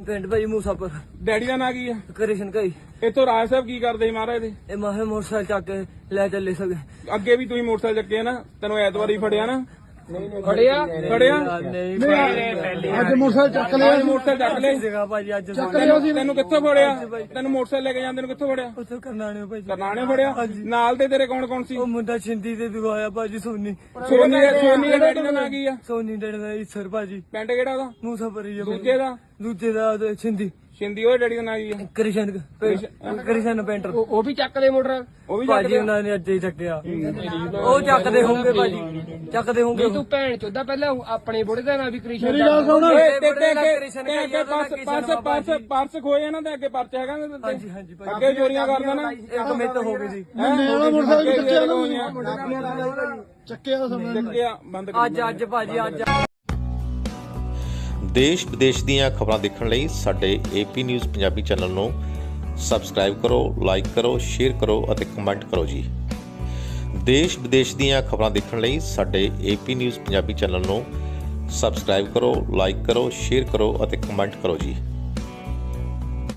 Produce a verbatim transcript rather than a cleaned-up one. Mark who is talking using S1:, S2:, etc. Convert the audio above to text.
S1: ਪਿੰਡ ਭਾਈ ਮੂਸਾਪੁਰ।
S2: ਡੈਡੀ ਦਾ ਨਾਂ ਕੀ ਆ?
S1: ਕ੍ਰਿਸ਼ਨ ਭਾਈ।
S2: ਇੱਥੋਂ ਰਾਜ ਸਾਹਿਬ ਕੀ ਕਰਦੇ ਸੀ ਮਹਾਰਾਜ ਦੇ?
S1: ਇਹ ਮਾਹੇ ਮੋਟਰਸਾਈਕਲ ਚੱਕ ਕੇ ਲੈ ਚੱਲੇ ਸਕੇ।
S2: ਅੱਗੇ ਵੀ ਤੁਸੀਂ ਮੋਟਰਸਾਈਕਲ ਚੱਕੇ ਨਾ, ਤੈਨੂੰ ਐਤਵਾਰੀ ਫੜਿਆ ਨਾ?
S3: ਫੜਿਆ
S2: ਫੜਿਆ
S1: ਨਹੀਂ
S3: ਅੱਜ ਮੋਟਰਸਾਈਕਲ ਚੱਕ ਲਿਆ
S2: ਅੱਜ ਮੋਟਰਸਾਈਕਲ ਚੱਕ ਲਿਆ
S1: ਸੀਗਾ ਭਾਜੀ ਅੱਜ
S2: ਤੈਨੂੰ ਤੈਨੂੰ ਕਿੱਥੋਂ ਫੜਿਆ? ਤੈਨੂੰ ਮੋਟਰਸਾਈਕਲ ਲੈ ਕੇ ਜਾਂਦੇ ਨੂੰ ਕਿੱਥੋਂ ਫੜਿਆ?
S1: ਉੱਥੇ ਕਰਨਾਣੇ ਭਾਜੀ।
S2: ਕਰਨਾਣੇ ਫੜਿਆ? ਨਾਲ ਦੇ ਤੇਰੇ ਕੌਣ ਕੌਣ ਸੀ?
S1: ਉਹ ਮੁੰਡਾ ਛਿੰਦੀ ਤੇ ਦਿਖਾਇਆ ਭਾਜੀ ਸੋਨੀ।
S2: ਸੋਨੀ ਦਾ ਸੋਨੀ ਦਾ ਡੈਡੀ ਦਾ ਨਾਂ ਕੀ ਆ?
S1: ਸੋਨੀ ਡੇੜੇ ਦਾ ਈਸਰ ਭਾਜੀ।
S2: ਪਿੰਡ ਕਿਹੜਾ ਉਹਦਾ?
S1: ਮੂਸਾਪੁਰ ਹੀ ਆ ਭਾਜੀ।
S2: ਦੂਜੇ ਦਾ?
S1: ਦੂਜੇ ਦਾ ਉਹਦਾ ਛਿੰਦੀ।
S2: ਸ਼ਿੰਦੀ ਉਹਦੇ ਡੈਡੀ ਦਾ ਨਾਂ ਕੀ ਆ?
S1: ਕ੍ਰਿਸ਼ਨ ਕ੍ਰਿਸ਼ਨ ਪੇਂਟਰ।
S3: ਉਹ ਵੀ ਚੱਕ ਲਏ ਮੋਟਰ।
S2: ਉਹ ਵੀ
S1: ਭਾਜੀ ਉਹਨਾਂ ਨੇ ਅੱਜ ਹੀ ਚੱਕਿਆ। ਉਹ ਚੱਕਦੇ ਹੋਣਗੇ ਭਾਜੀ, ਚੱਕਦੇ ਹੋਣਗੇ।
S3: ਤੂੰ ਭੈਣ ਚੋਦਾ ਪਹਿਲਾਂ ਆਪਣੇ ਬੁੜੇ ਦਾ ਨਾਂ ਵੀ ਕ੍ਰਿਸ਼ਨ
S2: ਤੇ ਤੇ ਅੱਗੇ ਪਰਸ ਪਰਸ ਪਰਸ ਪਰਸ ਖੋਏ ਨਾ ਤੇ ਅੱਗੇ ਪਰਚ ਹੈਗਾ ਨਾ ਤੇ
S1: ਹਾਂਜੀ ਹਾਂਜੀ ਭਾਜੀ।
S2: ਅੱਗੇ ਚੋਰੀਆਂ ਕਰਦਾ ਨਾ।
S1: ਇੱਕ ਮਿੰਟ ਹੋ ਗਈ ਸੀ।
S2: ਚੱਕਿਆ ਚੱਕਿਆ ਬੰਦ ਕਰ।
S1: ਅੱਜ ਅੱਜ ਭਾਜੀ ਅੱਜ
S4: ਦੇਸ਼ ਵਿਦੇਸ਼ ਦੀਆਂ ਖਬਰਾਂ ਦੇਖਣ ਲਈ ਸਾਡੇ ਏਪੀ ਨਿਊਜ਼ ਪੰਜਾਬੀ ਚੈਨਲ ਨੂੰ ਸਬਸਕ੍ਰਾਈਬ ਕਰੋ, ਲਾਈਕ ਕਰੋ, ਸ਼ੇਅਰ ਕਰੋ ਅਤੇ ਕਮੈਂਟ ਕਰੋ ਜੀ। ਦੇਸ਼ ਵਿਦੇਸ਼ ਦੀਆਂ ਖਬਰਾਂ ਦੇਖਣ ਲਈ ਸਾਡੇ ਏਪੀ ਨਿਊਜ਼ ਪੰਜਾਬੀ ਚੈਨਲ ਨੂੰ ਸਬਸਕ੍ਰਾਈਬ ਕਰੋ, ਲਾਈਕ ਕਰੋ, ਸ਼ੇਅਰ ਕਰੋ ਅਤੇ ਕਮੈਂਟ ਕਰੋ ਜੀ।